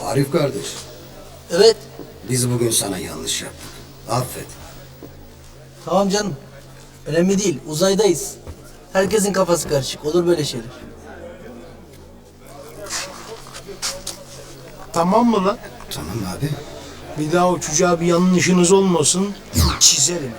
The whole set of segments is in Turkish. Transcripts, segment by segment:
Arif kardeş, Evet. biz bugün sana yanlış yaptık. Affet. Tamam canım. Önemli değil. Uzaydayız. Herkesin kafası karışık. Olur böyle şeyler. Tamam mı lan? Tamam abi. Bir daha o çocuğa bir yanlışınız olmasın. Çizerim.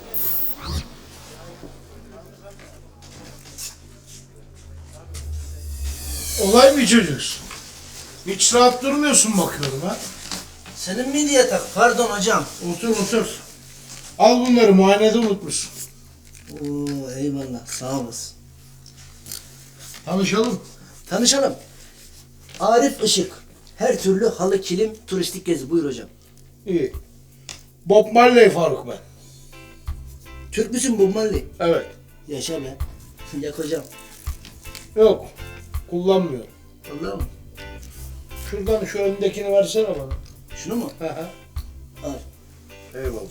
Olay bir çocuksun. Hiç rahat durmuyorsun bakıyorum ha. Senin miydi yatak? Pardon hocam. Otur otur. Al bunları, muayenede unutmuşsun. Oo, eyvallah. Sağ olasın. Tanışalım. Tanışalım. Arif Işık. Her türlü halı, kilim, turistik gezi. Buyur hocam. İyi. Bob Marley Faruk ben. Türk müsün Bob Marley? Evet. Yaşa be. Yak hocam. Yok. Kullanmıyorum. Vallahi mı? Şuradan şu öndekini versene bana. Şunu mu? Hı hı. Al. Eyvallah.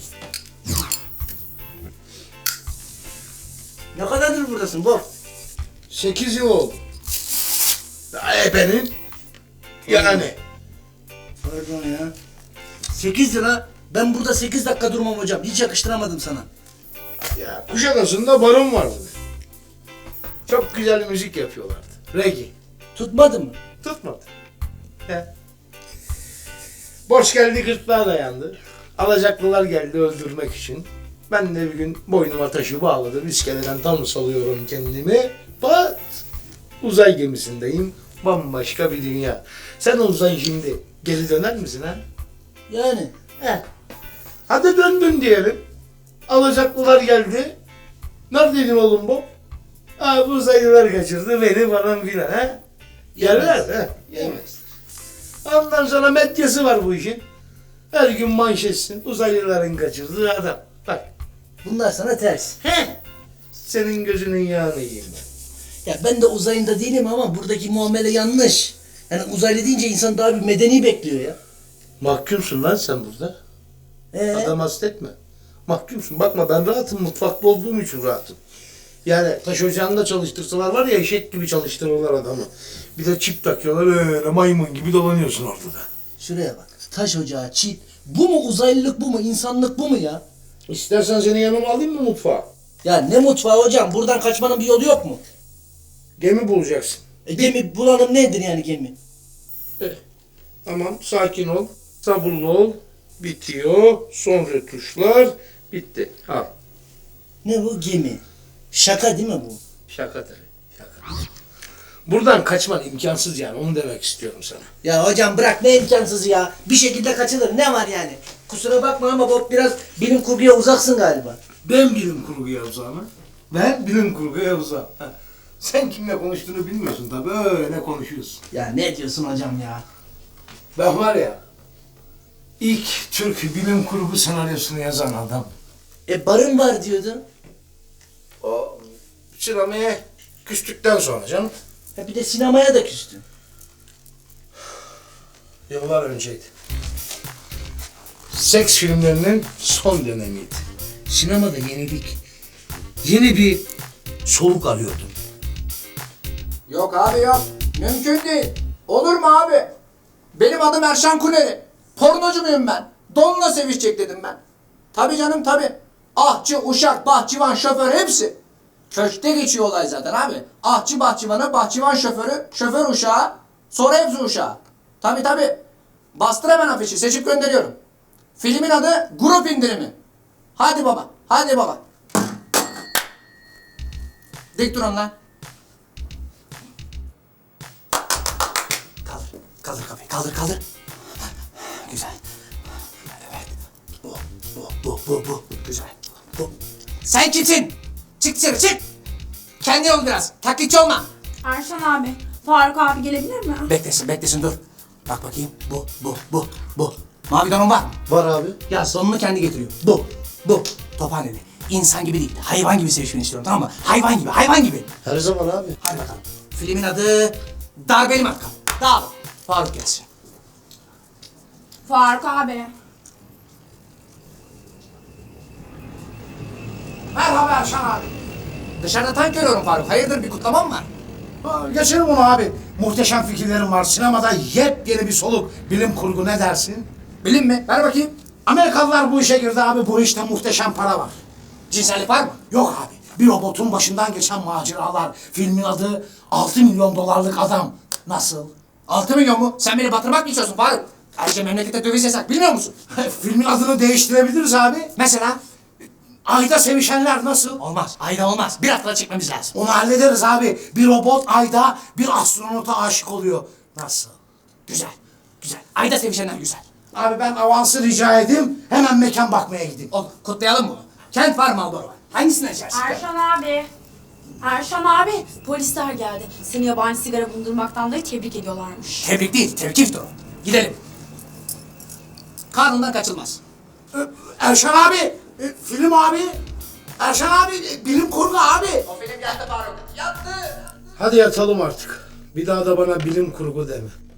Ne kadardır buradasın Bob? 8 yıl oldu. Daha ebenin. Yani. Pardon ya. 8 lira. Ben burada 8 dakika durmam hocam. Hiç yakıştıramadım sana. Ya Kuşadası'nda barın vardı. Çok güzel müzik yapıyorlardı. Reggae. Tutmadı mı? Tutmadı. He. Borç geldi, gırtlağa dayandı. Alacaklılar geldi öldürmek için. Ben de bir gün boynuma taşı bağladım. İskeleden tam salıyorum kendimi. Pat! Uzay gemisindeyim. Bambaşka bir dünya. Sen olsan şimdi geri döner misin ha? Yani. He. Hadi döndün diyelim. Alacaklılar geldi. Neredeydin oğlum bu? Ha, bu uzaylılar kaçırdı beni falan filan ha. Yerler ha. Yemez. Ondan sonra medyası var bu işin. Her gün manşetsin. Uzaylıların kaçırdığı adam. Bak. Bunlar sana ters. He. Senin gözünün yağını yiyeyim ben. Ya ben de uzayında değilim ama buradaki muamele yanlış. Yani uzaylı deyince insan daha bir medeni bekliyor ya. Mahkumsun lan sen burada. Adam hasretme. Mahkumsun. Bakma ben rahatım. Mutfakta olduğum için rahatım. Yani taş ocağında çalıştırsalar var ya eşek gibi çalıştırırlar adamı. Bir de çip takıyorlar öyle maymun gibi dolanıyorsun ortada. Şuraya bak. Taş ocağı, çit. Bu mu uzaylılık, bu mu insanlık, bu mu ya? İstersen seni yanıma alayım mı mutfağa? Ya ne mutfağı hocam? Buradan kaçmanın bir yolu yok mu? Gemi bulacaksın. Gemi bulalım nedir yani gemi? Tamam sakin ol. Sabırlı ol. Bitiyor. Son retuşlar. Bitti. Al. Ne bu gemi? Şaka değil mi bu? Şaka tabii. Şaka. Buradan kaçman imkansız yani. Onu demek istiyorum sana. Ya hocam bırak ne imkansızı ya. Bir şekilde kaçılır. Ne var yani? Kusura bakma ama Bob biraz bilim kurguya uzaksın galiba. Ben bilim kurguya uzağım. Ben bilim kurguya uzağım. Ha. Sen kimle konuştuğunu bilmiyorsun tabii. Öyle konuşuyorsun. Ya ne diyorsun hocam ya? Ben var ya, ilk Türk bilim kurgu senaryosunu yazan adam. Barın var diyordun. O sinemaya küstükten sonra canım. Ha bir de sinemaya da küstün. Yıllar önceydi. Seks filmlerinin son dönemiydi. Sinemada yenilik, yeni bir soluk arıyordum. Yok abi yok. Mümkün değil. Olur mu abi? Benim adım Erşan Kuneri. Pornocu muyum ben? Donla sevişecek dedim ben. Tabii canım tabii. Ahçı, uşak, bahçıvan, şoför hepsi. Köşkte geçiyor olay zaten abi. Ahçı bahçıvanı, bahçıvan şoförü, şoför uşağı, sonra hepsi uşağı. Tabii tabii. Bastır hemen afişi, seçip gönderiyorum. Filmin adı Grup İndirimi. Hadi baba, hadi baba. Dik durun lan. Kaldır. Kaldır kafayı. Kaldır kaldır. Güzel. Evet. Bu. Güzel. Bu. Sen kimsin? Çık dışarı çık. Kendin ol biraz. Taklitçi olma. Erşan abi, Faruk abi gelebilir mi? Beklesin dur. Bak bakayım. Bu. Mavi donun var mı? Var abi. Ya sonunu kendi getiriyor. Bu. Tophaneli. İnsan gibi değil. Hayvan gibi sevişmeni istiyorum tamam mı? Hayvan gibi. Her zaman abi. Hadi bakalım. Filmin adı Darbeli Matkap. Dağıl. Faruk gelsin. Faruk abi. Merhaba Erşan abi. Dışarıda tank görüyorum Faruk. Hayırdır bir kutlamam var? Geçelim onu abi. muhteşem fikirlerim var. Sinemada yepyeni bir soluk. Bilim kurgu ne dersin? Bilim mi? Ver bakayım. Amerikalılar bu işe girdi abi. Bu işte muhteşem para var. Cinsellik var mı? Yok abi. Bir robotun başından geçen maceralar. Filmin adı 6 milyon dolarlık adam. Nasıl? 6 milyon mu? Sen beni batırmak mı istiyorsun Faruk? Ayrıca memlekette döviz yasak bilmiyor musun? Filmin adını değiştirebiliriz abi. Mesela? Ayda sevişenler nasıl? Olmaz. Ayda olmaz. Bir haftada çekmemiz lazım. Onu hallederiz abi. Bir robot ayda bir astronota aşık oluyor. Nasıl? Güzel. Güzel. Ayda sevişenler güzel. Abi ben avansı rica edeyim. Hemen mekan bakmaya gideyim. Olur. Kutlayalım bunu. Kent var, Marlboro var. Hangisinden içersin? Erşan abi. Erşan abi, polisler geldi. Seni yabancı sigara bulundurmaktan dolayı tebrik ediyorlarmış. Tebrik değil, tevkiftir o. Gidelim. Kanundan kaçılmaz. Erşan abi, film abi. Erşan abi, bilim kurgu abi. O film yattı Faruk. Yattı. Hadi yatalım artık. Bir daha da bana bilim kurgu deme.